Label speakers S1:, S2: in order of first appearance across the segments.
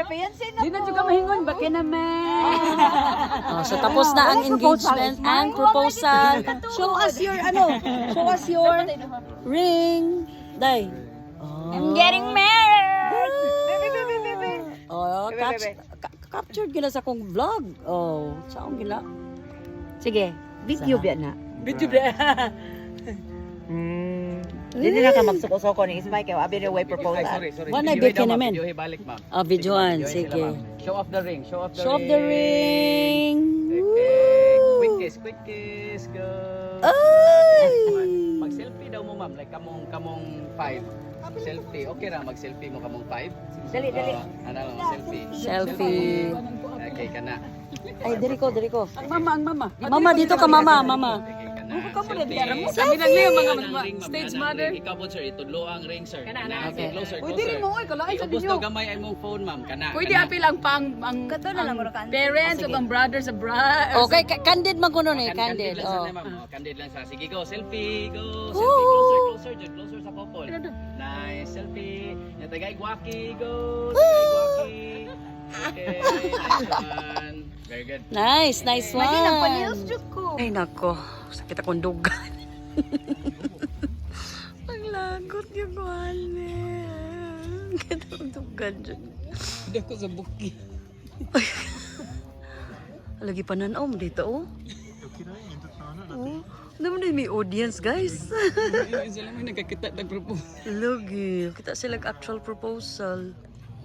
S1: Di na juga mahingon ba naman.
S2: So tapos na ang engagement and proposal. Show us your show us your ring. Day.
S1: I'm getting married.
S2: Oh, captured gila sa akong vlog. Oh, saan gila?
S1: Sige, video ba na?
S2: Video ba?
S1: Dili na ka magsuko-suko ni Ismay kay abi way proposal.
S3: Sorry.
S2: Wala bit ka naman.
S3: Video balik, ma'am.
S2: Videoan, sige.
S3: Show off the ring. Show off the
S2: Show
S3: ring.
S2: off the ring.
S3: Okay. Quick kiss. Go.
S2: Ay!
S3: Mag-selfie daw mo, ma'am. Like kamong 5. Selfie. Okay ra mag-selfie mo kamong 5.
S1: Dali.
S3: Ano lang, selfie.
S2: Selfie.
S3: Okay ka na.
S2: Ay, diri ko.
S1: Ang mama.
S2: Mama, dito ka, mama.
S3: Okay ka na. Selfie.
S1: Kami lang niyo mga
S3: Ring, ma'am.
S1: stage
S3: Kanang
S1: mother.
S3: ring. Ikaw po, sir. Itudlo ang ring, sir.
S2: Okay.
S3: Closer.
S1: Uy, dili mo oy kalaay sa
S3: Iubos
S1: video.
S3: daw gamay ay mong phone, ma'am. Kana.
S1: Pwede apil ang parents o ang brothers sa bride.
S2: Okay, candid man ko nun eh. Candid.
S3: lang
S2: Oh.
S3: sana, ma'am. Candid lang sa. Sige, go. Selfie. Go. Selfie. Closer. Closer sa couple. Nice. Selfie. Yung tagay guwaki. Go. Tagay guwaki. Okay. Nice one. Very good.
S2: Nice one.
S1: ko.
S2: Ay, nako. Sakit akong dugan. Ang lagot yung kuhanin. Sakit akong dugan dyan.
S1: Hindi ako sa buki.
S2: Lagi pananom dito, oh. Oh, naman na may audience, guys.
S1: Sila may nagkakita nag-propose.
S2: Lagi. Kita sila actual proposal.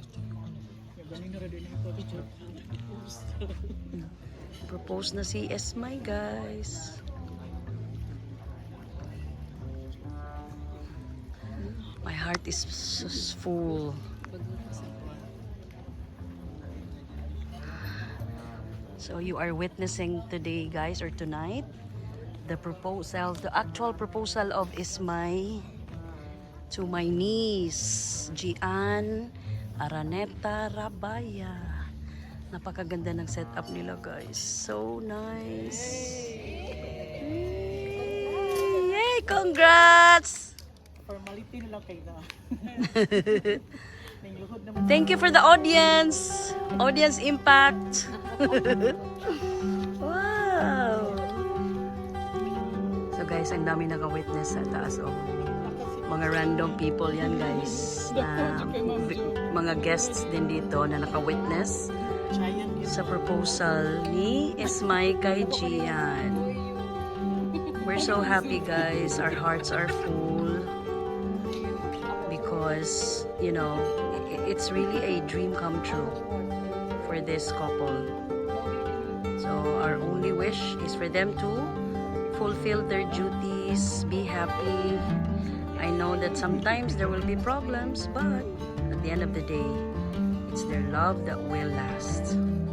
S2: Propose na si Esmay, guys. My heart is full. So you are witnessing today, guys, or tonight, the proposal, the actual proposal of Ismay to my niece, Gian Araneta Rabaya. Napakaganda ng setup nila, guys. So nice. Yay! Congrats!
S1: Formality na lang kayo na.
S2: Thank you for the audience. Audience impact. Wow. So guys, ang dami naka-witness sa taas. Oh. Mga random people yan, guys. Mga guests din dito na naka-witness sa proposal ni Ismay kay Gian. We're so happy, guys. Our hearts are full because, you know, it's really a dream come true for this couple. So our only wish is for them to fulfill their duties, be happy. I know that sometimes there will be problems, but at the end of the day, it's their love that will last.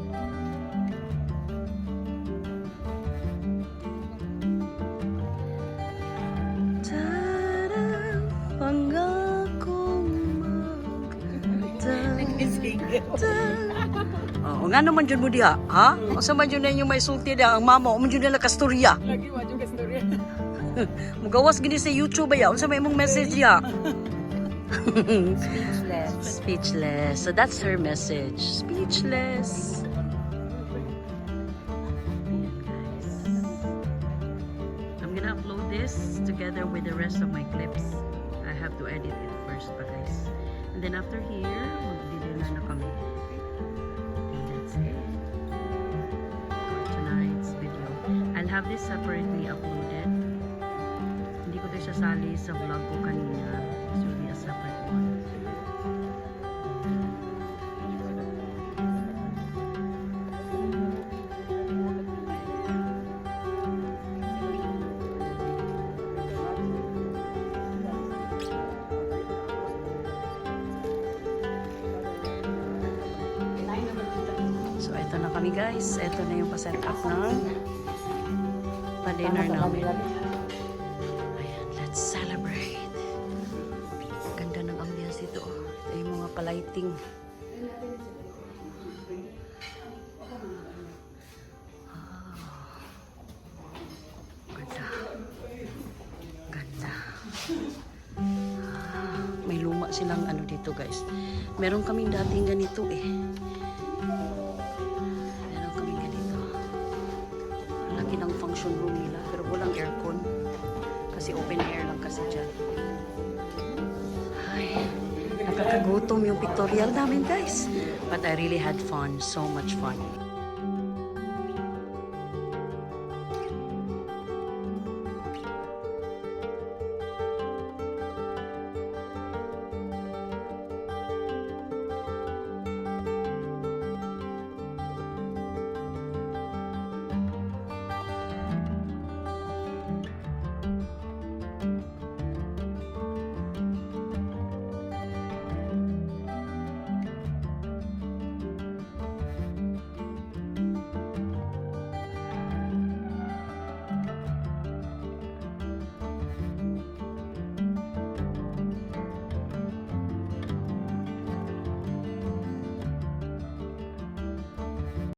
S2: Oh, nga naman dyan mo diha, ha? O sa man dyan na yung may sulti diha, ang mama, o man dyan na kasturya.
S1: Lagi mo yung kastorya.
S2: Mugawas gini sa YouTube ba ya? Unsa may imong message ya? Speechless. So that's her message. Speechless. I'm gonna upload this together with the rest of my clips. I have to edit it first, pa guys. And then after here, magdi-dinner na kami. And that's it for tonight's video. I'll have this separately uploaded. Hindi ko ito sasali sa vlog ko kanina. This will be a separate one. So, ito na kami, guys. Ito na yung pa-set up ng pa-dinner namin. Ayan, let's celebrate. Ganda ng ambience dito. Ito yung mga palighting. Ganda. Ganda. May luma silang ano dito, guys. Meron kaming dating ganito eh. function room nila. Pero walang aircon. Kasi open air lang kasi dyan. Ay, nakakagutom yung pictorial namin guys. But I really had fun. So much fun.